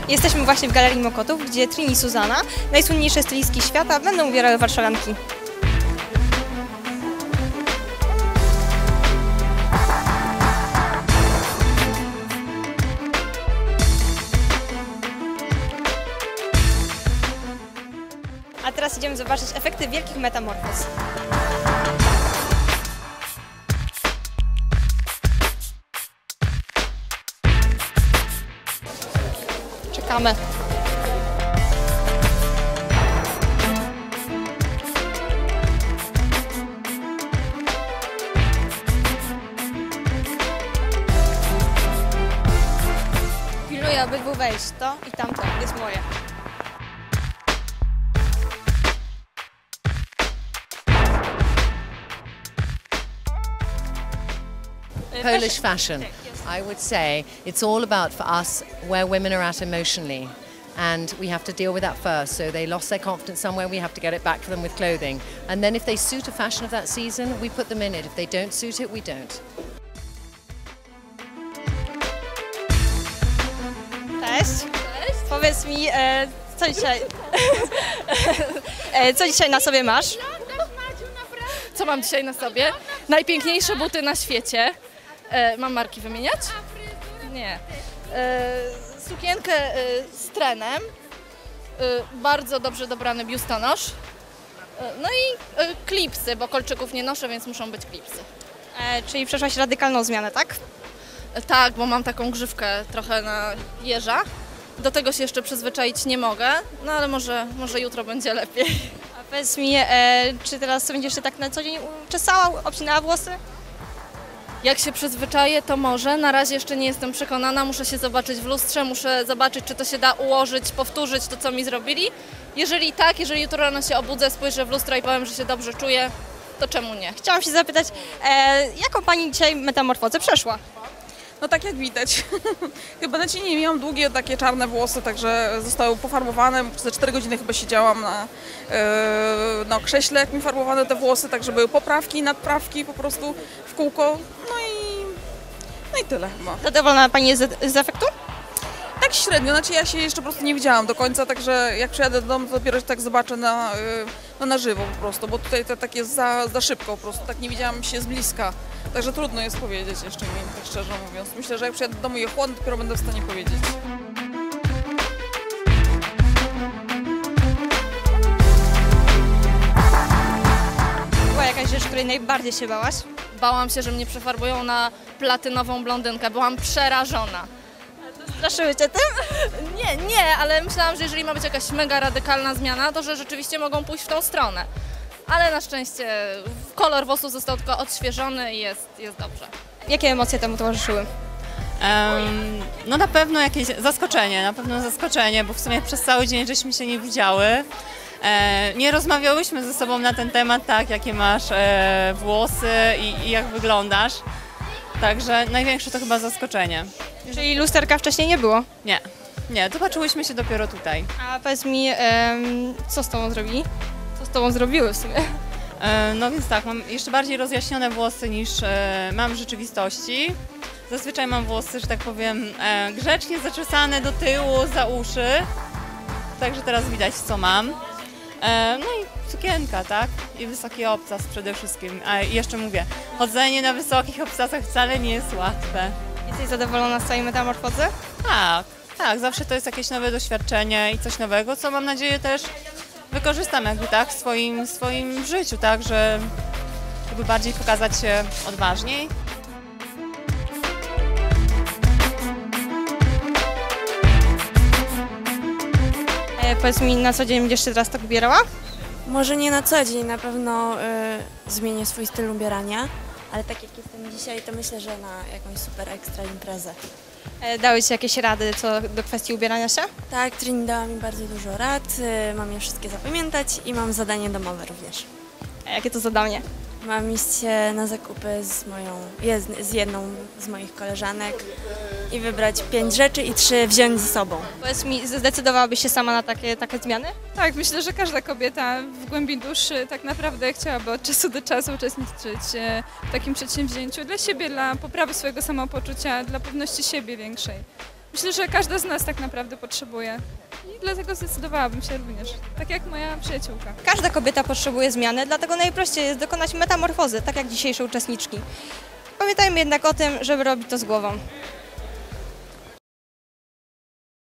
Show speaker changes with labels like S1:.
S1: Jesteśmy właśnie w Galerii Mokotów, gdzie Trini i Zuzanna, najsłynniejsze stylistki świata, będą ubierały warszawianki. A teraz idziemy zobaczyć efekty wielkich metamorfoz. Czekamy. Pilnuję, aby był wejść. To i tamto jest moje.
S2: Polish fashion, I would say it's all about for us where women are at emotionally, and we have to deal with that first. So they lost their confidence somewhere, we have to get it back for them with clothing. And then if they suit a fashion of that season, we put them in it. If they don't suit it, we don't.
S1: Cześć. Cześć. Powiedz mi, co dzisiaj, co dzisiaj na sobie masz?
S3: Co mam dzisiaj na sobie? Najpiękniejsze buty na świecie. Mam marki wymieniać? Nie. Sukienkę z trenem. Bardzo dobrze dobrany biustonosz. No i klipsy, bo kolczyków nie noszę, więc muszą być klipsy.
S1: Czyli przeszłaś radykalną zmianę, tak?
S3: Tak, bo mam taką grzywkę trochę na jeża. Do tego się jeszcze przyzwyczaić nie mogę, no ale może jutro będzie lepiej.
S1: A powiedz mi, czy teraz będziesz się tak na co dzień czesała, obcinała włosy?
S3: Jak się przyzwyczaję, to może. Na razie jeszcze nie jestem przekonana. Muszę się zobaczyć w lustrze, muszę zobaczyć, czy to się da ułożyć, powtórzyć to, co mi zrobili. Jeżeli tak, jeżeli jutro rano się obudzę, spojrzę w lustro i powiem, że się dobrze czuję, to czemu nie?
S1: Chciałam się zapytać, jaką pani dzisiaj metamorfozę przeszła?
S4: No tak jak widać. Chyba na cienie miałam długie takie czarne włosy, także zostały pofarbowane. Ze 4 godziny chyba siedziałam na krześle, jak mi farbowano te włosy, także były poprawki, nadprawki po prostu w kółko. No i tyle chyba.
S1: Zadowolona pani jest z efektu?
S4: Tak średnio, znaczy ja się jeszcze po prostu nie widziałam do końca, także jak przyjadę do domu, to dopiero tak zobaczę na żywo po prostu, bo tutaj to tak jest za szybko po prostu, tak nie widziałam się z bliska. Także trudno jest powiedzieć jeszcze mi, tak szczerze mówiąc. Myślę, że jak przyjadę do domu i ochłonę, dopiero będę w stanie powiedzieć.
S1: Była jakaś rzecz, której najbardziej się bałaś?
S3: Bałam się, że mnie przefarbują na platynową blondynkę. Byłam przerażona.
S1: Straszyły cię tym?
S3: Nie, ale myślałam, że jeżeli ma być jakaś mega radykalna zmiana, to że rzeczywiście mogą pójść w tą stronę. Ale na szczęście kolor włosów został tylko odświeżony i jest dobrze.
S1: Jakie emocje temu towarzyszyły?
S5: No na pewno jakieś zaskoczenie, bo w sumie przez cały dzień żeśmy się nie widziały. Nie rozmawiałyśmy ze sobą na ten temat, tak, jakie masz włosy i jak wyglądasz. Także największe to chyba zaskoczenie.
S1: Czyli lusterka wcześniej nie było?
S5: Nie, zobaczyłyśmy się dopiero tutaj.
S1: A powiedz mi, co z tobą zrobili? Co z tobą zrobiły w sumie?
S5: No więc tak, mam jeszcze bardziej rozjaśnione włosy niż mam w rzeczywistości. Zazwyczaj mam włosy, że tak powiem, grzecznie zaczesane do tyłu, za uszy. Także teraz widać, co mam. No i sukienka, tak? I wysoki obcas przede wszystkim. A jeszcze mówię, chodzenie na wysokich obcasach wcale nie jest łatwe.
S1: Jesteś zadowolona z całej metamorfozy?
S5: Tak, zawsze to jest jakieś nowe doświadczenie i coś nowego, co mam nadzieję też wykorzystam jakby tak w swoim życiu, tak, żeby bardziej pokazać się odważniej.
S1: Powiedz mi, na co dzień będziesz się teraz tak ubierała?
S6: Może nie na co dzień, na pewno zmienię swój styl ubierania, ale tak jak jestem dzisiaj, to myślę, że na jakąś super ekstra imprezę.
S1: Dały ci jakieś rady co do kwestii ubierania się?
S6: Tak, Trini dała mi bardzo dużo rad, mam je wszystkie zapamiętać i mam zadanie domowe również.
S1: A jakie to zadanie?
S6: Mam iść na zakupy z jedną z moich koleżanek i wybrać 5 rzeczy i 3 wziąć ze sobą.
S1: Powiedz mi, zdecydowałabyś się sama na takie zmiany?
S7: Tak, myślę, że każda kobieta w głębi duszy tak naprawdę chciałaby od czasu do czasu uczestniczyć w takim przedsięwzięciu dla siebie, dla poprawy swojego samopoczucia, dla pewności siebie większej. Myślę, że każda z nas tak naprawdę potrzebuje. I dlatego zdecydowałabym się również, tak jak moja przyjaciółka.
S1: Każda kobieta potrzebuje zmiany, dlatego najprościej jest dokonać metamorfozy, tak jak dzisiejsze uczestniczki. Pamiętajmy jednak o tym, żeby robić to z głową.